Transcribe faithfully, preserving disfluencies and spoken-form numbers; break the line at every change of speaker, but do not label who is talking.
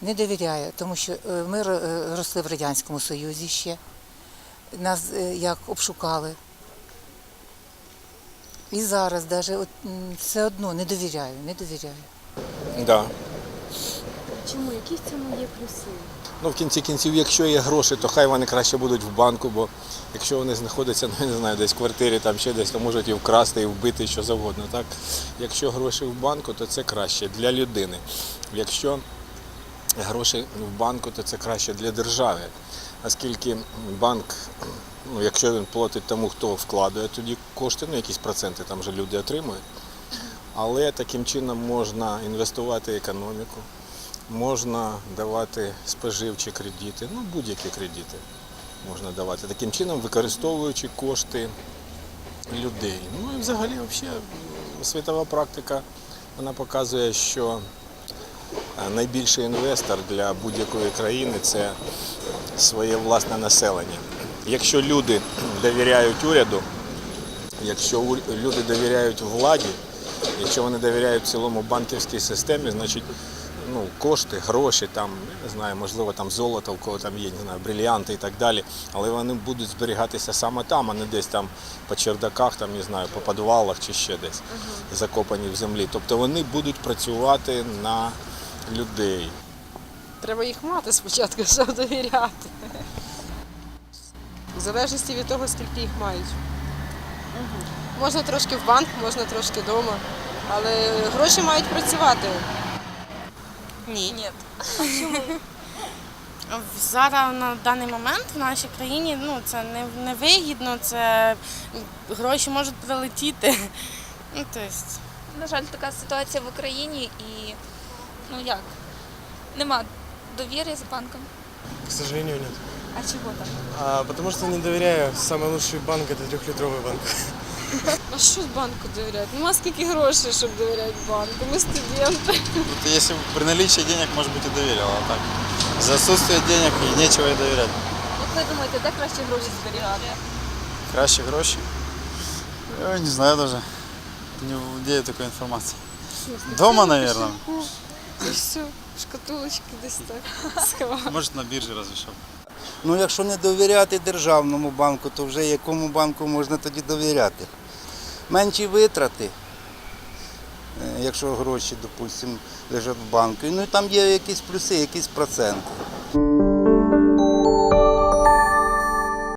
не довіряю, тому що е, ми ро- росли в Радянському Союзі ще. Нас е, як обшукали. І зараз навіть от, м, все одно не довіряю, не довіряю.
Да.
Чому? Які в цьому є плюси?
Ну, в кінці кінців, якщо є гроші, то хай вони краще будуть в банку, бо якщо вони знаходяться, ну, я не знаю, десь в квартирі, там ще десь, то можуть і вкрасти, і вбити, і що завгодно. Так? Якщо гроші в банку, то це краще для людини. Якщо гроші в банку, то це краще для держави. Оскільки банк, ну, якщо він платить тому, хто вкладає тоді кошти, ну, якісь проценти там вже люди отримують, але таким чином можна інвестувати в економіку. Можна давати споживчі кредити, ну будь-які кредити можна давати. Таким чином, використовуючи кошти людей. Ну і взагалі, взагалі, світова практика, вона показує, що найбільший інвестор для будь-якої країни – це своє власне населення. Якщо люди довіряють уряду, якщо люди довіряють владі, якщо вони довіряють цілому банківській системі, значить, ну, кошти, гроші, там, не знаю, можливо, там золото, у кого там є, не знаю, брильянти і так далі, але вони будуть зберігатися саме там, а не десь там по чердаках, там, не знаю, по підвалах чи ще десь, uh-huh. закопані в землі. Тобто вони будуть працювати на людей.
Треба їх мати спочатку, щоб довіряти. В залежності від того, скільки їх мають. Uh-huh. Можна трошки в банк, можна трошки вдома, але гроші мають працювати.
Ні.
Ні.
Чому? Зараз на даний момент в нашій країні ну, це не, не вигідно, це гроші можуть прилетіти. Ну, то есть...
На жаль, така ситуація в Україні і, ну як, нема довіри з банком.
К сожалению, нет.
А чого так?
А, потому что не доверяю. Самый лучший банк – это трехлитровый банк.
А що банку довіряти? Нема скільки грошей, щоб довіряти банку. Ми студенти.
Вот если бы при наличии денег, может быть, и доверял, а так за отсутствие денег и нечего и доверять.
Як ви думаєте, де краще гроші зберігати?
Краще гроши? Я не знаю даже. Не владею такой информацией. Дома, наверное.
І все, шкатулочки десь так сховали.
Может, на бирже разве что.
Ну, якщо не довіряти державному банку, то вже якому банку можна тоді довіряти? Менші витрати, е, якщо гроші, допустимо, лежать в банку. Ну і там є якісь плюси, якісь проценти.